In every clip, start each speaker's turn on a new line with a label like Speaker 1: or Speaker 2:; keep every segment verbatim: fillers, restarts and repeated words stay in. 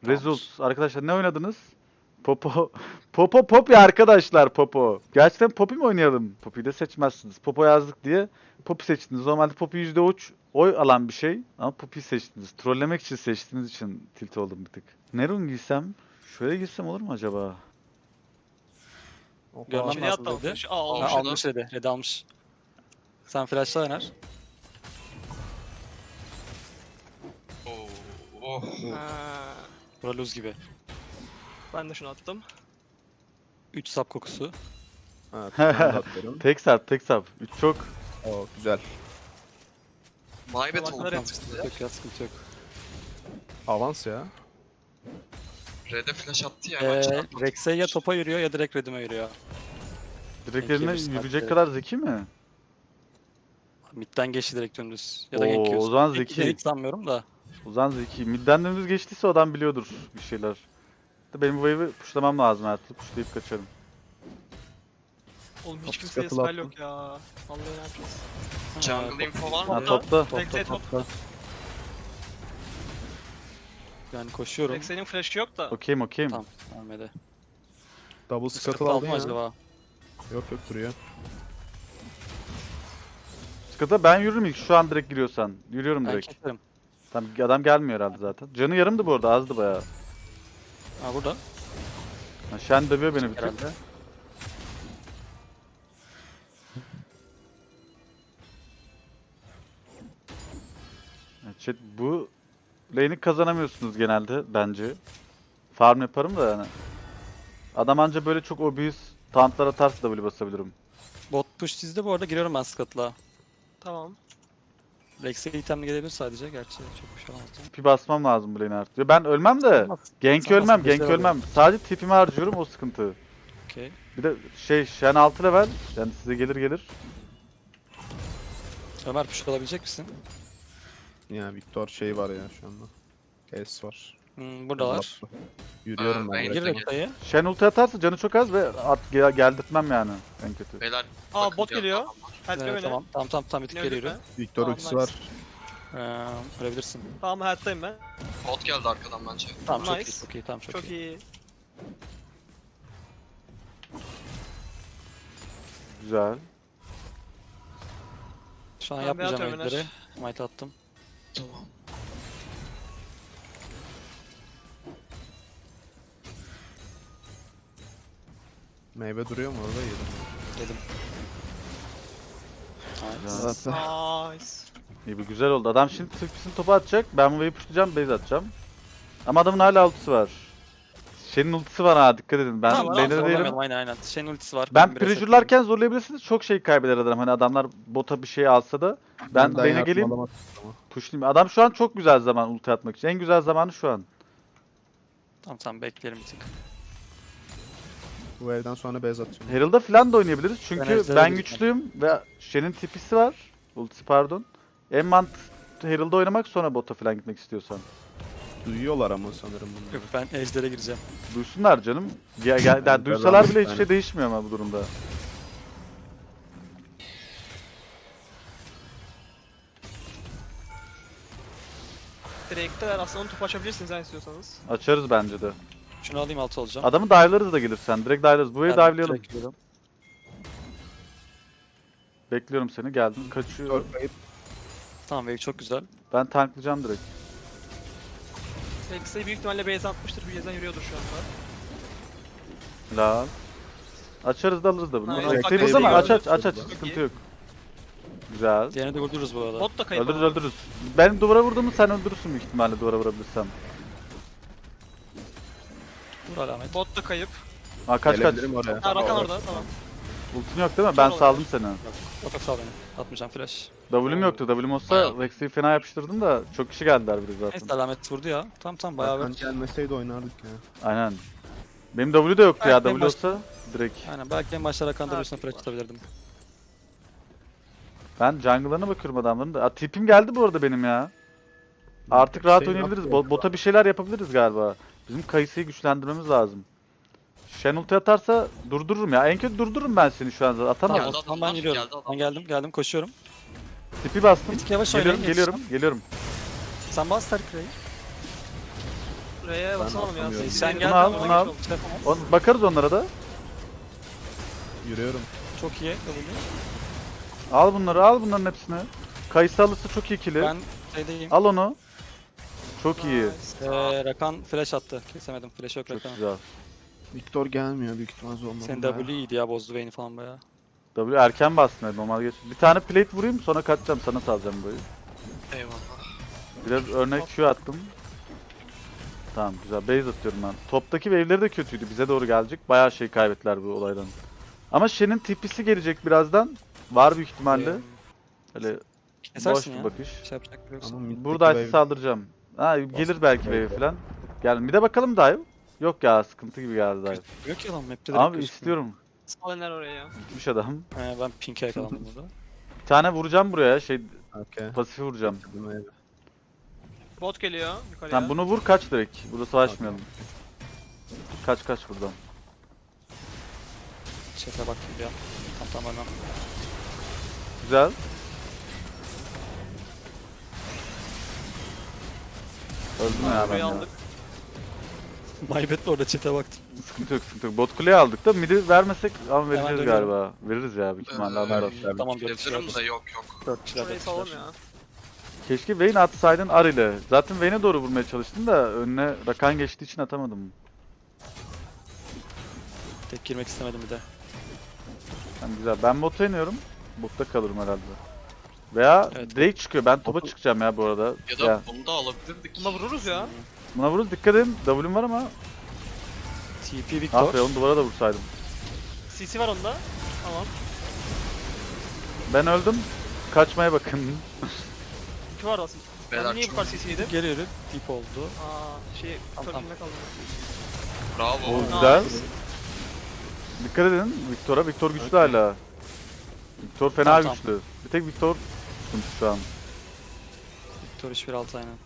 Speaker 1: Results. Arkadaşlar ne oynadınız? Popo. Popo Poppy arkadaşlar Popo. Gerçekten Poppy mi oynayalım? Poppy'yi de seçmezsiniz. Popo yazdık diye Poppy seçtiniz. Normalde Poppy yüzde üç oy alan bir şey. Ama Poppy'yi seçtiniz. Trollemek için seçtiğiniz için tilt oldum bir tık. Ne rune giysem? Şöyle giysem olur mu acaba?
Speaker 2: Görmem
Speaker 3: İçeriye
Speaker 2: lazım
Speaker 3: attı
Speaker 2: dedi.
Speaker 3: almış. Aa
Speaker 2: Ha,
Speaker 3: almış.
Speaker 4: Almış.
Speaker 2: almış dedi. Red almış. Sen flash'la oynar.
Speaker 4: Oo, oh.
Speaker 3: Ha,
Speaker 2: Bura lose gibi.
Speaker 3: ben de şunu attım.
Speaker 2: üç sap kokusu.
Speaker 5: Evet, ben de atıyorum.
Speaker 1: Tek sap tek sap. üç çok.
Speaker 5: Oo, güzel.
Speaker 4: Maybet
Speaker 3: Salaklar
Speaker 4: oldu.
Speaker 3: yaptı.
Speaker 2: Sıkıntı yok ya, sıkıntı yok.
Speaker 5: Avans ya.
Speaker 4: Red'e flash attı ya. hemen
Speaker 2: Ee,
Speaker 4: çarptı.
Speaker 2: Rex'e ya topa yürüyor ya direkt Red'ime yürüyor.
Speaker 1: Direkt
Speaker 2: Peki,
Speaker 1: eline
Speaker 2: bir saat
Speaker 1: yürüyecek
Speaker 2: direkt.
Speaker 1: kadar zeki mi?
Speaker 2: Mid'den geçti direkt dümdüz. Ya da
Speaker 1: Oo,
Speaker 2: gank
Speaker 1: o zaman
Speaker 2: Peki,
Speaker 1: zeki.
Speaker 2: Hiç sanmıyorum da.
Speaker 1: O zaman zeki. Midden dümdüz geçtiyse o adam biliyordur bir şeyler. De benim bu wave'i pushlamam lazım her türlü. Pushlayıp kaçarım.
Speaker 3: Oğlum hiç
Speaker 5: Kapı
Speaker 3: kimseye
Speaker 5: skatılı
Speaker 3: spell
Speaker 5: attım.
Speaker 3: yok ya. Vallahi ne yapacağız?
Speaker 4: Jungle info var
Speaker 1: Ha
Speaker 4: mı?
Speaker 1: topta.
Speaker 3: Rex'e top.
Speaker 2: Yani koşuyorum.
Speaker 3: Rex'e'nin flash'ı yok da.
Speaker 1: Okeyim okeyim.
Speaker 2: Tamam. Ahmet'e.
Speaker 5: Double
Speaker 2: Scuttle
Speaker 5: scuttle aldın
Speaker 2: aldım
Speaker 5: ya.
Speaker 2: acaba?
Speaker 5: Yok yok duruyor.
Speaker 1: Sıkıntı ben yürürüm ilk şu an direkt giriyorsan. Yürüyorum
Speaker 2: Ben
Speaker 1: direkt.
Speaker 2: keserim.
Speaker 1: Tamam adam gelmiyor herhalde zaten. Canı yarımdı bu arada azdı bayağı.
Speaker 2: Ha burada.
Speaker 1: Ha, Shen dövüyor beni bir tık.
Speaker 2: Herhalde.
Speaker 1: Evet, Chat, bu lane'i kazanamıyorsunuz genelde bence. Farm yaparım da yani. Adam anca böyle çok obvious tauntlar atarsa W basabilirim.
Speaker 2: Bot push sizde bu arada giriyorum ben Scuttle'a.
Speaker 3: Tamam.
Speaker 2: Rex'e itemli gelebilir sadece gerçi çok bir şey olmaz.
Speaker 1: Tipi basmam lazım bu lane'i artık. Ya ben ölmem de.
Speaker 2: Olmaz.
Speaker 1: Gank
Speaker 2: Olmaz,
Speaker 1: ölmem,
Speaker 2: bir şey
Speaker 1: gank
Speaker 2: oluyor.
Speaker 1: ölmem. Sadece tipimi harcıyorum o sıkıntı.
Speaker 2: Okey.
Speaker 1: Bir de şey Shen altı level. Yani size gelir gelir.
Speaker 2: Ömer push alabilecek misin?
Speaker 5: Ya Victor şey var ya şu anda. Case var.
Speaker 2: Hmm, buradalar.
Speaker 5: Attı. Yürüyorum
Speaker 4: Ee,
Speaker 5: ben.
Speaker 4: ben
Speaker 2: Gir
Speaker 5: de.
Speaker 4: de-
Speaker 2: Red'e.
Speaker 1: Shen ulti atarsa canı çok az ve at gel geldirtmem yani en kötü.
Speaker 4: Beyler.
Speaker 3: Aa
Speaker 4: bakın
Speaker 3: bot
Speaker 4: bir
Speaker 3: geliyor.
Speaker 4: adam var.
Speaker 3: Help
Speaker 2: Evet,
Speaker 3: beni.
Speaker 2: tamam tamam tamam tamam bir tık
Speaker 3: Yine
Speaker 2: geri
Speaker 3: öldük
Speaker 2: yürü.
Speaker 3: mü?
Speaker 5: Victor
Speaker 3: Tamam,
Speaker 5: ultisi
Speaker 3: nice.
Speaker 5: var.
Speaker 2: Ee, ölebilirsin.
Speaker 3: Tamam help'tayım ben.
Speaker 4: Bot geldi arkadan bence.
Speaker 2: Tamam çok
Speaker 3: Nice.
Speaker 2: iyi çok iyi tamam çok,
Speaker 3: Çok
Speaker 2: iyi.
Speaker 3: iyi.
Speaker 1: Güzel.
Speaker 2: Şu an
Speaker 3: Ben bir
Speaker 2: yapmayacağım
Speaker 3: atıyorum
Speaker 2: edleri.
Speaker 3: Öner.
Speaker 2: Might attım.
Speaker 4: Tamam.
Speaker 5: Meyve duruyor mu orada? Yedim.
Speaker 2: Dedim.
Speaker 1: Güzel.
Speaker 2: Nice.
Speaker 3: Nice.
Speaker 1: İyi bir güzel oldu. Adam şimdi tırpısını topa atacak. Ben bu wave'i pushlayacağım, base atacağım. Ama adamın hala ultisi var. Shen'in ultisi var ha dikkat edin. Ben
Speaker 2: Tamam,
Speaker 1: lane'de
Speaker 2: tamam,
Speaker 1: değilim.
Speaker 2: zorlamayalım, Aynen aynen. Shen ultisi var.
Speaker 1: Ben
Speaker 2: bir reset
Speaker 1: prejure'larken zorlayabilirsiniz. Çok şey kaybeder adam. Hani adamlar bota bir şey alsa da. Ben
Speaker 5: Benden
Speaker 1: lane'e
Speaker 5: yardım
Speaker 1: geleyim.
Speaker 5: alamadım ama.
Speaker 1: Pushlayayım. Adam şu an çok güzel zaman ulti atmak için. En güzel zamanı şu an.
Speaker 2: Tamam tamam bekleyelim bir tık.
Speaker 5: Bu evden sonra base atacağım.
Speaker 1: Herald'a falan da oynayabiliriz. Çünkü
Speaker 2: Enerjileri
Speaker 1: ben
Speaker 2: de
Speaker 1: güçlüyüm ve Shen'in tipisi var. Ultisi pardon. En mantıklı Herald'da oynamak sonra bota falan gitmek istiyorsan.
Speaker 5: Duyuyorlar ama sanırım
Speaker 2: Yok
Speaker 5: bunları.
Speaker 2: ben ejder'e gireceğim.
Speaker 1: Duysunlar canım. Ya, ya, yani
Speaker 5: Ben
Speaker 1: duysalar bile
Speaker 5: ben-
Speaker 1: hiçbir şey değişmiyor ama bu durumda.
Speaker 3: Direkt'te aslında onu top açabilirsiniz yani istiyorsanız.
Speaker 1: Açarız bence de.
Speaker 2: Şunu alayım altı olacağım.
Speaker 1: Adamı dive'larız da gelirsen. Direkt dive'larız. Bu wave'i
Speaker 2: Ben
Speaker 1: dive'layalım.
Speaker 2: direkt giriyorum.
Speaker 1: Bekliyorum seni. Geldim. Kaçıyor.
Speaker 5: Victor kayıp.
Speaker 2: Tamam wave çok güzel.
Speaker 1: Ben tanklayacağım direkt.
Speaker 3: Rex'e büyük ihtimalle base atmıştır. Bir yüzden yürüyordur şu anda.
Speaker 1: La. Açarız da alırız da bunu.
Speaker 3: Nice.
Speaker 1: Bunu
Speaker 3: Bak,
Speaker 1: Bekleriz ama aç
Speaker 3: gördüm.
Speaker 1: aç aç aç.
Speaker 5: Çok
Speaker 1: Sıkıntı
Speaker 3: iyi.
Speaker 1: yok. Güzel.
Speaker 2: Diğerini de vurdururuz bu arada.
Speaker 3: Bot da kayıp.
Speaker 1: Öldürürüz
Speaker 3: ama.
Speaker 1: öldürürüz. Ben duvara vurduğumu sen öldürürsün büyük ihtimalle duvara vurabilirsem.
Speaker 2: Vur alamet.
Speaker 3: Bot da kayıp.
Speaker 1: Ha kaç kaç.
Speaker 5: Gelebilirim oraya.
Speaker 3: Ha Rakan orada tamam.
Speaker 1: Ultin yok değil mi? Ben
Speaker 3: Çok
Speaker 1: saldım seni.
Speaker 2: Otak sağ beni. Atmayacağım flash.
Speaker 1: W'm yoktu. W'm olsa
Speaker 4: Bayağı.
Speaker 1: Rex'i fena yapıştırdım da çok kişi geldiler bir de
Speaker 2: Neyse
Speaker 1: zaten.
Speaker 2: alamet vurdu ya. Tamam tamam bayağı
Speaker 5: Hakan
Speaker 2: bir.
Speaker 5: gelmeseydi oynardık ya.
Speaker 1: Aynen. Benim W de yoktu ya.
Speaker 2: Belki en
Speaker 1: W
Speaker 2: baş-
Speaker 1: olsa direkt.
Speaker 2: Aynen belki en başta Rakan
Speaker 3: Ha,
Speaker 2: W'suna flash
Speaker 3: var.
Speaker 2: atabilirdim.
Speaker 1: Ben jungle'larına bakıyorum adamların da. Aa, tipim geldi bu arada benim ya. Artık rahat
Speaker 5: Şey
Speaker 1: oynayabiliriz.
Speaker 5: yapıyor.
Speaker 1: Bo- bota bir şeyler yapabiliriz galiba. Bizim Kayısı'yı güçlendirmemiz lazım. Shen ulti atarsa durdururum ya. En kötü durdururum ben seni şu an. Atamam.
Speaker 2: Tamam,
Speaker 4: Geldi
Speaker 2: o zaman
Speaker 4: adamlar,
Speaker 2: ben yürüyorum.
Speaker 4: geldi adamlar.
Speaker 2: Ben geldim geldim koşuyorum.
Speaker 1: Tipi bastım.
Speaker 2: Bir tık yavaş
Speaker 1: Geliyorum,
Speaker 2: oynayın,
Speaker 1: geliyorum, geliyorum.
Speaker 2: Sen bas Tarık Ray'i.
Speaker 3: R'ye basalım ya.
Speaker 5: atamıyorum.
Speaker 3: Siz
Speaker 2: Sen
Speaker 3: benim
Speaker 2: gel,
Speaker 3: yanıma
Speaker 1: bunu
Speaker 3: geç
Speaker 1: al.
Speaker 3: oldu.
Speaker 2: Şey yapamam.
Speaker 1: On, bakarız onlara da.
Speaker 5: Yürüyorum.
Speaker 2: Çok iyi. W.
Speaker 1: Al bunları, al bunların hepsini. Kayısı alırsa çok iyi kili.
Speaker 2: Ben şeydeyim.
Speaker 1: Al onu. Çok iyi.
Speaker 3: Nice.
Speaker 2: Ee, Rakan flash attı. Kesemedim. Flash yok
Speaker 1: Çok
Speaker 2: Rakan'ın.
Speaker 1: güzel.
Speaker 5: Victor gelmiyor büyük ihtimal zorunda.
Speaker 2: Senin W iyiydi ya, bozdu Vayne'i falan bayağı.
Speaker 1: W erken bastın hadi, normal geç. Bir tane plate vurayım sonra kaçacağım, sana salacağım böyle.
Speaker 4: Eyvallah.
Speaker 1: Biraz örnek Q attım. Tamam güzel, base atıyorum ben. Toptaki wave'leri de kötüydü, bize doğru gelecek. Bayağı şey kaybettiler bu olaydan. Ama Shen'in T P'si gelecek birazdan. Var büyük ihtimalle.
Speaker 2: Ee,
Speaker 1: Öyle boş
Speaker 2: Kesersin
Speaker 1: bir
Speaker 2: ya.
Speaker 1: bakış.
Speaker 2: Şey yapacak bir şey yoksa.
Speaker 5: Ama middeki
Speaker 1: Burada
Speaker 5: wave-
Speaker 1: saldıracağım. Ha gelir
Speaker 5: Bastım,
Speaker 1: belki
Speaker 5: wave.
Speaker 1: wave falan. Gel bir de bakalım dive. Yok ya, sıkıntı gibi geldi dive.
Speaker 2: Yok ya lan, map'te direkt
Speaker 1: Abi
Speaker 2: gözükmüyor.
Speaker 1: istiyorum.
Speaker 3: Spawnler oraya ya.
Speaker 1: Gitmiş adam.
Speaker 2: He, ben pink'e yakalandım burada.
Speaker 1: Bir tane vuracağım buraya, şey
Speaker 5: Okey.
Speaker 1: pasifi vuracağım.
Speaker 5: Dedim wave.
Speaker 3: Bot geliyor yukarıya.
Speaker 1: Sen bunu vur, kaç direkt. Burada savaşmayalım. Kaç kaç buradan.
Speaker 2: Chat'e bakayım bir an. Tamam tamam hemen.
Speaker 1: Güzel. Öldüm ya ben
Speaker 3: Burayı
Speaker 1: ya.
Speaker 3: aldık.
Speaker 2: Maybet'le orada chat'e baktım.
Speaker 1: Sıkıntı yok, sıkıntı yok. Bot kuleye aldık da midi vermesek ama vereceğiz
Speaker 2: dönüyorum.
Speaker 1: galiba. Veririz ya büyük ihtimalle
Speaker 4: Ee,
Speaker 1: alırlar.
Speaker 5: Vermişler.
Speaker 2: Tamam dört kişiler.
Speaker 4: Gelirim de yok yok.
Speaker 2: dört kişiler.
Speaker 3: Şurayı
Speaker 2: dört
Speaker 3: salalım
Speaker 2: kişiler.
Speaker 3: ya.
Speaker 1: Keşke Vayne atsaydın Ar ile. Zaten Vayne'e doğru vurmaya çalıştım da önüne Rakan geçtiği için atamadım.
Speaker 2: Tek girmek istemedim bir de.
Speaker 1: Yani güzel. Ben bota iniyorum. Botta kalırım herhalde. Veya
Speaker 2: Evet.
Speaker 1: Drake çıkıyor. Ben topa
Speaker 5: Botu-
Speaker 1: çıkacağım ya bu arada.
Speaker 4: Ya da
Speaker 1: Ya.
Speaker 4: bunu da alabilirdik.
Speaker 3: Buna vururuz ya.
Speaker 1: Buna vururuz. Dikkat edin. W'm var ama.
Speaker 2: T P Victor.
Speaker 1: Ah be, onu duvara da vursaydım.
Speaker 3: C C var onda. Tamam.
Speaker 1: Ben öldüm. Kaçmaya bakın.
Speaker 3: İki var aslında.
Speaker 4: Beyler
Speaker 3: Ben niye bu
Speaker 4: çok
Speaker 3: kadar C C'ydim?
Speaker 2: Geliyor. Deep oldu.
Speaker 3: Aa şey
Speaker 2: Tamam,
Speaker 3: törpünde kaldı.
Speaker 4: bravo.
Speaker 1: O
Speaker 3: Nice.
Speaker 1: güzel. Dikkat edin Victor'a. Victor güçlü hala. Victor fena
Speaker 2: Tamam, tamam.
Speaker 1: güçlü. Bir tek Victor sıkıntı şu an.
Speaker 2: Victor üç bir altı aynen.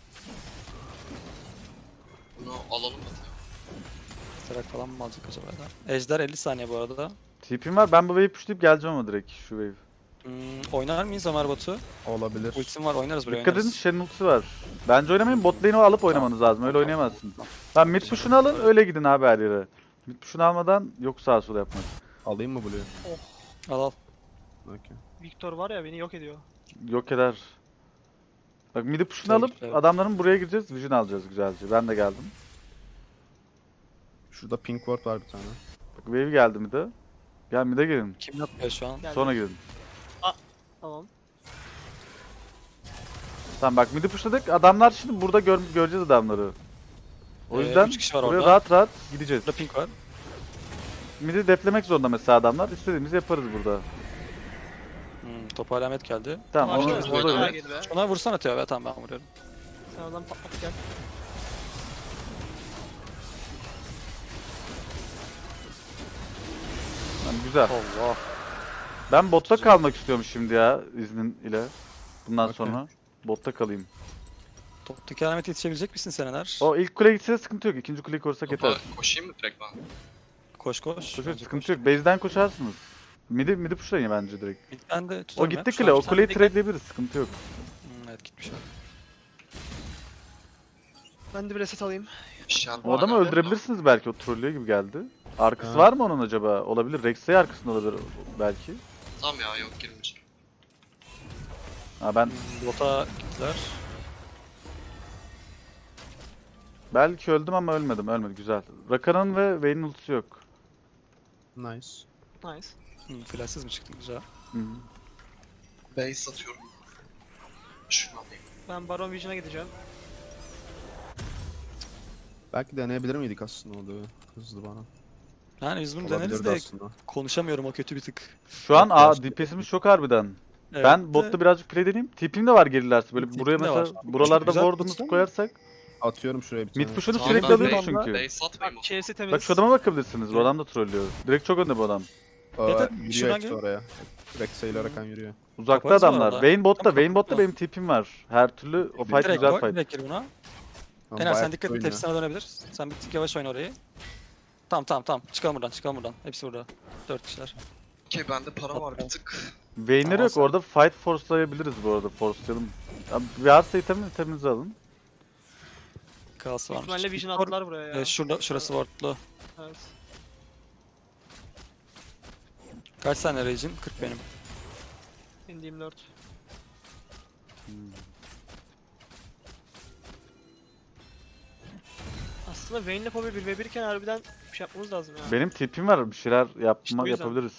Speaker 4: Bunu alalım hadi.
Speaker 2: Sterak falan mı alacak acaba da? Ejder elli saniye bu arada.
Speaker 1: T P'm var. Ben bu wave'i pushlayıp geleceğim ama direkt şu wave.
Speaker 2: Hmm, oynar mıyız Ömer Batu?
Speaker 5: Olabilir.
Speaker 2: Ultim var, oynarız buraya,
Speaker 1: Dikkat edin,
Speaker 2: oynarız.
Speaker 1: Shen'in ultisi var. Bence oynamayın, bot lane'i alıp oynamanız lazım. Öyle oynayamazsınız. Ben mid push'unu alın, öyle gidin abi her yere. Mid push'unu almadan yok sağa sola yapmak.
Speaker 5: Alayım mı Blue'yu?
Speaker 2: Al al.
Speaker 5: Okey.
Speaker 3: Victor var ya beni yok ediyor.
Speaker 1: Yok eder. Bak mid push'unu
Speaker 2: Güzel,
Speaker 1: alıp
Speaker 2: güzel.
Speaker 1: adamların buraya gireceğiz, vision alacağız güzelce. Ben de geldim.
Speaker 5: Şurada pink ward var bir tane.
Speaker 1: Bak wave geldi mid'e. Gel mid'e girin.
Speaker 2: Kim yapıyor şu an?
Speaker 3: Geldi.
Speaker 1: Sonra girin.
Speaker 3: Tamam.
Speaker 1: Tamam bak mid pushladık. Adamlar şimdi burada gör göreceğiz adamları. O
Speaker 2: Ee,
Speaker 1: yüzden
Speaker 2: üç kişi var
Speaker 1: buraya
Speaker 2: orada.
Speaker 1: rahat rahat gideceğiz.
Speaker 2: Burada pink var.
Speaker 1: Mid'i deflemek zorunda mesela adamlar. İstediğimizi yaparız burada.
Speaker 2: Hmm, topa alamet geldi.
Speaker 1: Tamam onu
Speaker 3: Başlıyoruz.
Speaker 1: biz
Speaker 4: orada
Speaker 1: burada
Speaker 3: Daha
Speaker 4: öyle.
Speaker 3: gel be.
Speaker 2: Ona vursan atıyor be, tamam ben vuruyorum.
Speaker 3: Sen oradan patlat gel.
Speaker 1: Tamam, güzel.
Speaker 2: Allah.
Speaker 1: Ben botta kalmak istiyorum şimdi ya iznin ile. Bundan
Speaker 5: Okey.
Speaker 1: sonra botta kalayım.
Speaker 2: Toptaki alamete yetişebilecek misin Seneler?
Speaker 1: O ilk kule gitse de sıkıntı yok. İkinci kuleyi korusak
Speaker 4: Topa
Speaker 1: yeter.
Speaker 4: koşayım mı direkt ben?
Speaker 2: Koş koş.
Speaker 1: Koşuyor,
Speaker 2: Bence
Speaker 1: sıkıntı
Speaker 2: koş.
Speaker 1: yok. Base'den koşarsınız. Midi midi pushlayın bence direkt.
Speaker 2: Ben de
Speaker 1: O
Speaker 2: tutarım
Speaker 1: gitti
Speaker 2: ya. Şu
Speaker 1: kule.
Speaker 2: an-
Speaker 1: O
Speaker 3: sen
Speaker 1: kuleyi
Speaker 3: dikkat-
Speaker 1: trade'leyebiliriz. Sıkıntı yok.
Speaker 2: Hmm, evet gitmiş o.
Speaker 3: Ben de bir reset alayım.
Speaker 4: Shell
Speaker 1: O adamı
Speaker 4: var ya.
Speaker 1: öldürebilirsiniz belki. O trollüyor gibi geldi. Arkası
Speaker 5: Ha.
Speaker 1: var mı onun acaba? Olabilir. Rex'e arkasında olabilir belki.
Speaker 4: Tamam ya yok girmeyeceğim.
Speaker 1: Ha ben
Speaker 2: Hmm, Bota gittiler.
Speaker 1: belki öldüm ama ölmedim. Ölmedi. Güzel. Rakan'ın ve Vayne'in ultisi yok.
Speaker 5: Nice.
Speaker 3: Nice.
Speaker 2: Hmm, flashsız mı çıktı, güzel.
Speaker 1: Hı -hı.
Speaker 4: Base atıyorum. Şunu alayım.
Speaker 3: Ben Baron Vision'a gideceğim.
Speaker 5: Belki deneyebilir miydik aslında o da hızlı bana.
Speaker 2: Yani biz bunu deneriz
Speaker 5: Olabilirdi
Speaker 2: de
Speaker 5: aslında.
Speaker 2: konuşamıyorum, o kötü bir tık.
Speaker 1: Şu an
Speaker 5: Yok,
Speaker 1: A
Speaker 5: gerçekten.
Speaker 1: D P S'imiz çok harbiden.
Speaker 2: Evet
Speaker 1: Ben
Speaker 2: de-
Speaker 1: botta birazcık play deneyeyim. Tipim de var gerilerse. Böyle
Speaker 2: Tipim
Speaker 1: buraya
Speaker 2: de
Speaker 1: mesela
Speaker 2: var.
Speaker 1: buralarda
Speaker 2: Güzel
Speaker 1: ward'umuzu
Speaker 2: güzel.
Speaker 1: koyarsak.
Speaker 5: Atıyorum şuraya bir tane.
Speaker 1: Mid push'unu
Speaker 4: Tamam,
Speaker 1: sürekli
Speaker 4: ben
Speaker 1: alıyoruz
Speaker 4: base-
Speaker 1: çünkü.
Speaker 4: Base atmayayım o
Speaker 3: Bak çevresi temiz.
Speaker 1: Bak şu adama bakabilirsiniz. Bu adam da trollüyor. Direkt çok önde bu adam.
Speaker 5: Aa,
Speaker 2: Evet, evet,
Speaker 5: yürüyor
Speaker 2: şuradan
Speaker 5: hepsi
Speaker 2: gel.
Speaker 5: oraya. Rex'e ile Rakan yürüyor.
Speaker 1: Uzakta
Speaker 2: Yaparız bu
Speaker 1: adamlar.
Speaker 2: arada.
Speaker 1: Vayne botta.
Speaker 2: Tamam,
Speaker 1: Vayne botta
Speaker 2: tamam.
Speaker 1: benim tipim var. Her türlü o fight
Speaker 2: Direkt
Speaker 1: güzel
Speaker 2: koy,
Speaker 1: fight.
Speaker 2: direkt gir buna.
Speaker 5: Ama
Speaker 2: Ener
Speaker 5: bayağı
Speaker 2: sen dikkat et,
Speaker 5: oynuyor.
Speaker 2: hepsi sana dönebilir. Sen bir tık yavaş oyna orayı. Tamam tamam tamam, çıkalım buradan, çıkalım buradan. Hepsi burada. Dört kişiler.
Speaker 4: Okey bende para var bir tık.
Speaker 1: Vayne'leri
Speaker 2: Ama
Speaker 1: yok.
Speaker 2: sen-
Speaker 1: Orada fight forcelayabiliriz bu arada. Forcelayalım. Abi, varsa itemini iteminizi alın.
Speaker 2: Kalsı varmış.
Speaker 3: İhtimalle Vision
Speaker 2: Victor-
Speaker 3: attılar buraya ya.
Speaker 2: Evet, şurada, şurası wardlu.
Speaker 3: Evet.
Speaker 2: Kaç saniye Rage'in? kırk benim.
Speaker 3: Indiğim dört. Aslında Vayne'le Poppy bir ve bir iken harbiden bir şey yapmamız lazım ya.
Speaker 1: Benim tipim var. Bir şeyler yapma,
Speaker 3: İşte bu yüzden.
Speaker 1: yapabiliriz.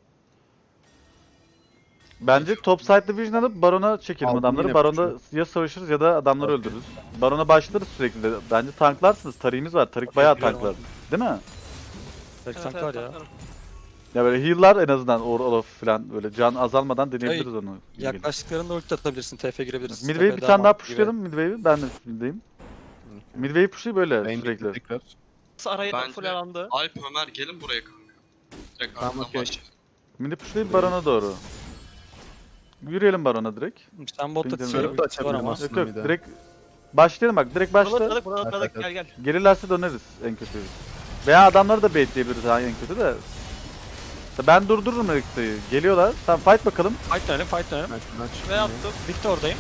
Speaker 1: Bence top side division alıp Baron'a çekelim
Speaker 5: Aldım,
Speaker 1: adamları.
Speaker 5: yine
Speaker 1: Baron'da
Speaker 5: push'u.
Speaker 1: ya savaşırız ya da adamları
Speaker 5: Okey.
Speaker 1: öldürürüz. Baron'a başlarız sürekli de. Bence tanklarsınız. Tariğimiz var. Tarik bayağı
Speaker 2: biliyorum
Speaker 1: tanklar. Değil mi?
Speaker 2: Belki
Speaker 3: Evet,
Speaker 2: tank
Speaker 3: evet,
Speaker 2: var ya.
Speaker 3: tanklarım.
Speaker 1: Ya böyle heal'lar en azından or Olaf falan böyle can azalmadan deneyebiliriz onu.
Speaker 2: Yaklaştıklarında ulti atabilirsin, T F girebilirsin.
Speaker 1: Midway'i
Speaker 2: T F
Speaker 1: bir
Speaker 2: daha
Speaker 1: tane daha
Speaker 2: mantıklı gibi.
Speaker 1: pushlayalım Midway'i. Ben de midway'im. Midway'i pushlayı böyle
Speaker 5: Vayne
Speaker 1: sürekli.
Speaker 5: tekrar.
Speaker 3: Nasıl arayı
Speaker 4: Bence-
Speaker 3: full alandı.
Speaker 4: Alp Ömer gelin buraya kanka. Direkt
Speaker 5: Tamam,
Speaker 4: arkadan
Speaker 5: okey.
Speaker 4: başlayalım.
Speaker 1: Midi pushlayıp Baron'a doğru. Yürüyelim Baron'a direkt.
Speaker 2: Sen botta
Speaker 1: Ping'den
Speaker 2: titriyor,
Speaker 5: Sörp de
Speaker 2: ultisi var
Speaker 5: açabilirim
Speaker 2: ama.
Speaker 5: aslında.
Speaker 1: Yok yok
Speaker 5: bir de.
Speaker 1: direkt başlayalım bak direkt
Speaker 3: Buraları
Speaker 1: başla.
Speaker 3: atladık, buraları atladık.
Speaker 5: Evet,
Speaker 3: Gel gel.
Speaker 1: Gelirlerse döneriz en kötü. Veya adamları da baitleyebiliriz ha en kötü de. Ben durdururum Rex'i. Geliyorlar. Tamam fight bakalım.
Speaker 2: Fight dönelim, fight dönelim.
Speaker 5: Ben şundan
Speaker 3: Ve
Speaker 5: çıkayım.
Speaker 3: attım.
Speaker 2: Victor'dayım.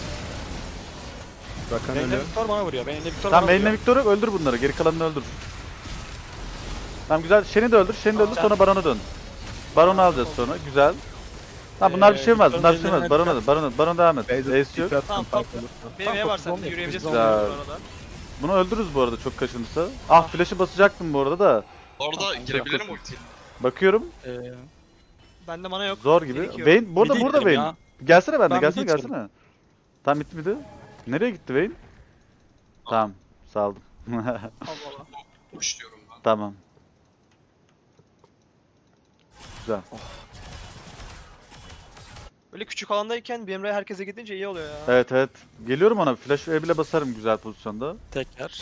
Speaker 5: Rakan
Speaker 2: Benim
Speaker 5: ölüyor.
Speaker 2: Victor bana vuruyor. Benim Victor
Speaker 1: Tamam
Speaker 2: bana
Speaker 1: Vayne'le
Speaker 2: vuruyor.
Speaker 1: Victor'u öldür bunları. Geri kalanını öldür. Tamam güzel. Shen'i de öldür. Shen'i de öldür
Speaker 2: Güzel.
Speaker 1: sonra Baron'a dön. Baron'u alacağız sonra. Güzel. Tamam bunlar bir şey olmaz. Bunlar bir şey olmaz. Baron'a dön. Baron'a Baron'a devam et.
Speaker 5: Beyza
Speaker 1: Ace yok.
Speaker 5: tipi attım,
Speaker 3: Tamam,
Speaker 5: fark
Speaker 3: tamam.
Speaker 5: olursa.
Speaker 3: Benim neye var
Speaker 2: Tamam,
Speaker 3: sende? Yürüyebilirsin bu
Speaker 1: güzel.
Speaker 3: arada.
Speaker 1: Bunu öldürürüz bu arada çok kaçınırsa. Ah flash'ı basacaktım bu arada da.
Speaker 4: Orada girebilirim ultiyle.
Speaker 1: Bakıyorum.
Speaker 2: Ee,
Speaker 3: Bende mana yok.
Speaker 1: Zor gibi.
Speaker 3: Gerekiyor.
Speaker 1: Vayne burada
Speaker 2: midi
Speaker 1: burada
Speaker 2: gidelim
Speaker 1: Vayne.
Speaker 2: ya.
Speaker 1: Gelsene bende
Speaker 2: Ben
Speaker 1: gelsene
Speaker 2: midi
Speaker 1: gelsene. Tam bitti miydi? Nereye gitti Vayne? Tamam saldım.
Speaker 3: Allah Allah.
Speaker 4: Push diyorum ben.
Speaker 1: Tamam. Güzel.
Speaker 3: Böyle küçük alandayken B M R herkese gidince iyi oluyor ya.
Speaker 1: Evet evet. Geliyorum ona. Flash E bile basarım güzel pozisyonda.
Speaker 2: tekrar.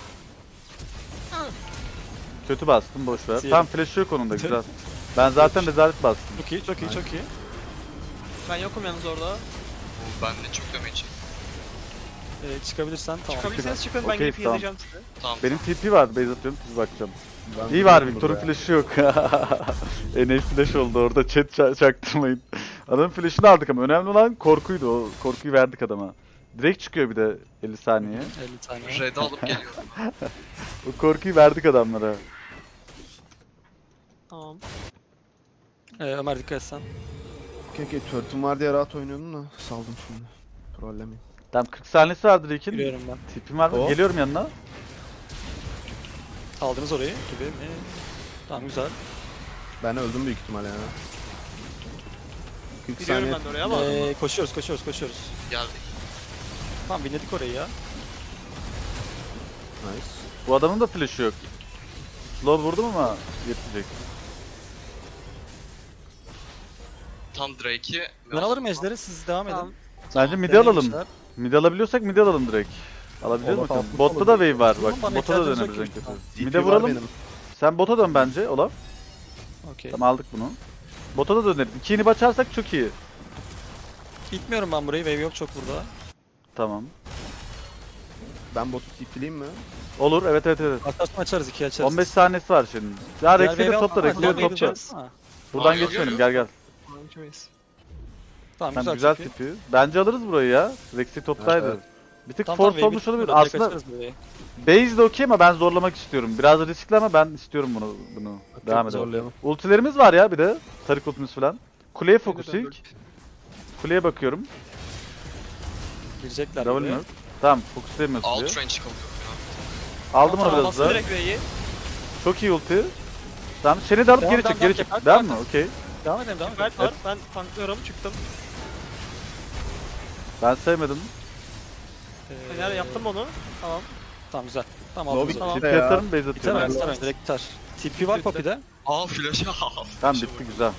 Speaker 1: Kötü bastım boş ver.
Speaker 2: Diyelim.
Speaker 1: Tam flash yok onun da güzel. Ben zaten rezalet bastım.
Speaker 2: Çok iyi, çok iyi, çok iyi.
Speaker 3: Ben yokum yalnız orada.
Speaker 4: Ben de çok damage yedim.
Speaker 2: Ee, çıkabilirsen tamam.
Speaker 3: Çıkabilirseniz çıkın ben
Speaker 1: Okey,
Speaker 3: gelip
Speaker 1: tamam.
Speaker 3: heal'layacağım size.
Speaker 4: Tamam.
Speaker 1: Benim T P var. Base atıyorum. Siz bakacağım.
Speaker 5: Ben
Speaker 1: İyi var
Speaker 5: buradayım
Speaker 1: Victor'un
Speaker 5: burada.
Speaker 1: flash'ı yok. N A flash oldu orada. Chat ça- çaktırmayın. Adamın flash'ını aldık ama önemli olan korkuydu. O korkuyu verdik adama. Direkt çıkıyor bir de elli saniye.
Speaker 2: elli saniye.
Speaker 4: Red'i alıp geliyorum.
Speaker 1: O korkuyu verdik adamlara.
Speaker 3: Tamam.
Speaker 2: Ee, Ömer dikkat etsen.
Speaker 5: Okey okey turret'um var diye rahat oynuyordum da saldım şimdi. Trollemeyeyim.
Speaker 1: Tamam kırk saniyesi vardır Drake'in.
Speaker 2: Giriyorum ben.
Speaker 1: Tipim var mı?
Speaker 5: O.
Speaker 1: Geliyorum yanına.
Speaker 2: Aldınız orayı gibi mi? Tamam güzel.
Speaker 5: Ben öldüm büyük ihtimalle ya. kırk
Speaker 3: Biliyorum
Speaker 5: saniye.
Speaker 3: ben de oraya ama.
Speaker 2: Ee, koşuyoruz, koşuyoruz, koşuyoruz.
Speaker 4: Geldik.
Speaker 2: Tamam binledik orayı ya.
Speaker 5: Nice.
Speaker 1: Bu adamın da flash'ı yok. Slow vurdum ama yetecek.
Speaker 4: Tam Drake'i.
Speaker 2: Ben alırım ejderi, siz devam edin.
Speaker 3: Tamam.
Speaker 1: Bence mid
Speaker 2: Deneyin
Speaker 1: alalım.
Speaker 2: işler.
Speaker 1: Mid alabiliyorsak mid alalım direkt. Alabiliyor
Speaker 5: Olaf
Speaker 1: musun?
Speaker 5: altı
Speaker 1: Botta
Speaker 5: olur.
Speaker 1: da wave var bak.
Speaker 2: Tamam, bana
Speaker 1: Bota da
Speaker 2: ihtiyacınız
Speaker 1: döneriz en
Speaker 2: yok ki.
Speaker 1: kötü.
Speaker 5: T P
Speaker 1: Mid'e
Speaker 5: var
Speaker 1: vuralım.
Speaker 5: benim.
Speaker 1: Sen bota dön bence Olaf.
Speaker 2: Okey.
Speaker 1: Tamam aldık bunu. Bota da döneriz. İki inip açarsak çok iyi.
Speaker 2: İtmiyorum ben burayı, wave yok çok burada.
Speaker 1: Tamam.
Speaker 5: Ben botu TP'leyeyim mi?
Speaker 1: Olur evet evet evet.
Speaker 2: Arkadaşlar açarız, ikiye açarız.
Speaker 1: on beş saniyesi var şimdi. Ya
Speaker 2: Diğer
Speaker 1: Rex'i de
Speaker 2: wave
Speaker 1: topla
Speaker 2: atma,
Speaker 1: Rex'i
Speaker 2: diğer
Speaker 1: de
Speaker 2: wave
Speaker 1: topla.
Speaker 2: yapacağız. Ha,
Speaker 1: Buradan
Speaker 4: Aa, yok,
Speaker 1: geçmeyelim
Speaker 4: yok,
Speaker 1: gel gel.
Speaker 3: Tamam ikimeyiz.
Speaker 2: Tamam,
Speaker 1: Tamam
Speaker 2: güzel,
Speaker 1: güzel
Speaker 2: çok iyi.
Speaker 1: tipi. Bence alırız burayı ya. Rex'i toptaydı.
Speaker 5: Evet,
Speaker 1: Bir tık
Speaker 2: Tamam,
Speaker 1: force
Speaker 2: tamam,
Speaker 1: olmuş
Speaker 2: wave
Speaker 1: olabilir.
Speaker 2: burada, direkt
Speaker 1: Aslında
Speaker 2: açarız burayı.
Speaker 1: base de okey ama ben zorlamak istiyorum. Biraz riskli ama ben istiyorum bunu. bunu. Devam edelim.
Speaker 5: Zorlayalım.
Speaker 1: Ultilerimiz var ya bir de. Tarik ultimiz falan. Kuleye fokus
Speaker 3: Döndür,
Speaker 1: ilk. Kuleye bakıyorum.
Speaker 2: Girecekler
Speaker 1: Double
Speaker 2: buraya.
Speaker 1: mı? Tamam fokuslayamıyoruz
Speaker 4: Alt
Speaker 1: diye.
Speaker 4: range kalıyorum
Speaker 1: Aldım
Speaker 2: Tamam,
Speaker 1: onu biraz
Speaker 3: Bastı
Speaker 1: da.
Speaker 3: direkt V'yi.
Speaker 1: Çok iyi ulti. Tamam seni de alıp
Speaker 2: Devam,
Speaker 1: geri
Speaker 2: devam,
Speaker 1: çık geri
Speaker 2: devam,
Speaker 1: çık.
Speaker 2: devam,
Speaker 1: Devam
Speaker 2: devam.
Speaker 1: mı? Okey.
Speaker 2: Devam edelim, devam edelim.
Speaker 3: Mert var. Ben tanklıyorum. Çıktım.
Speaker 1: Ben sevmedim.
Speaker 2: Ee,
Speaker 3: Fener yaptım onu. Tamam.
Speaker 2: Tamam güzel. Tamam
Speaker 5: Low
Speaker 2: aldınız
Speaker 5: bitti.
Speaker 2: orayı.
Speaker 1: Tipi
Speaker 5: ya.
Speaker 1: atarım base
Speaker 2: Biter
Speaker 1: atıyorum.
Speaker 2: mi?
Speaker 1: ben.
Speaker 2: Biter mi? Direkt biter. T P var Poppy'de.
Speaker 4: Aa flash'a al.
Speaker 1: Tamam
Speaker 4: Flash'a
Speaker 1: bitti
Speaker 4: bak.
Speaker 1: güzel.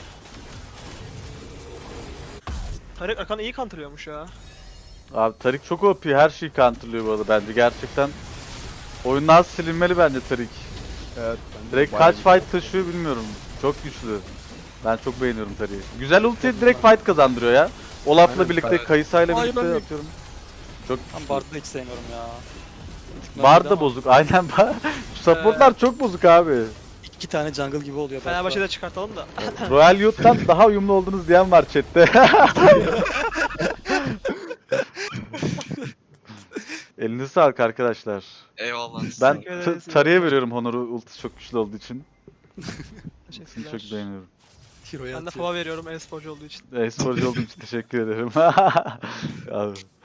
Speaker 3: Tarık Akan iyi counterlıyormuş ya.
Speaker 1: Abi Tarik çok O P her şeyi counterlıyor bu arada bence gerçekten. Oyundan silinmeli bence Tarik.
Speaker 5: Evet. bence
Speaker 1: Direkt
Speaker 5: bayağı
Speaker 1: kaç
Speaker 5: güzel.
Speaker 1: fight taşıyor bilmiyorum. Çok güçlü. Ben çok beğeniyorum Tarik'i. Güzel ulti direkt fight kazandırıyor ya. Olaf'la
Speaker 5: Aynen,
Speaker 1: birlikte,
Speaker 4: evet.
Speaker 1: Kayısa'yla
Speaker 2: Ay,
Speaker 1: birlikte
Speaker 2: ben de-
Speaker 1: atıyorum. Çok
Speaker 2: Ben Bard'ı hiç sevmiyorum ya. Bir tık
Speaker 1: Bar
Speaker 2: normalde
Speaker 1: da
Speaker 2: ama
Speaker 1: bozuk. Aynen bar. Supportlar çok bozuk abi.
Speaker 2: İki tane jungle gibi oluyor. Bard'da.
Speaker 3: Fenerbahçe'de çıkartalım da.
Speaker 1: Royal Youth'tan daha uyumlu oldunuz diyen var chatte. Elinize sağlık arkadaşlar.
Speaker 4: Eyvallah.
Speaker 1: Ben
Speaker 3: Teşekkür
Speaker 1: t-
Speaker 3: ederiz.
Speaker 1: Tarı'ya veriyorum Honor'u, ultisi çok güçlü olduğu için. Ultisini
Speaker 3: Teşekkürler.
Speaker 1: çok beğeniyorum.
Speaker 2: Hero'ya
Speaker 3: Ben de
Speaker 2: atıyor.
Speaker 3: fava veriyorum e-sporcu olduğu için.
Speaker 1: E-sporcu olduğum için teşekkür ederim. Abi.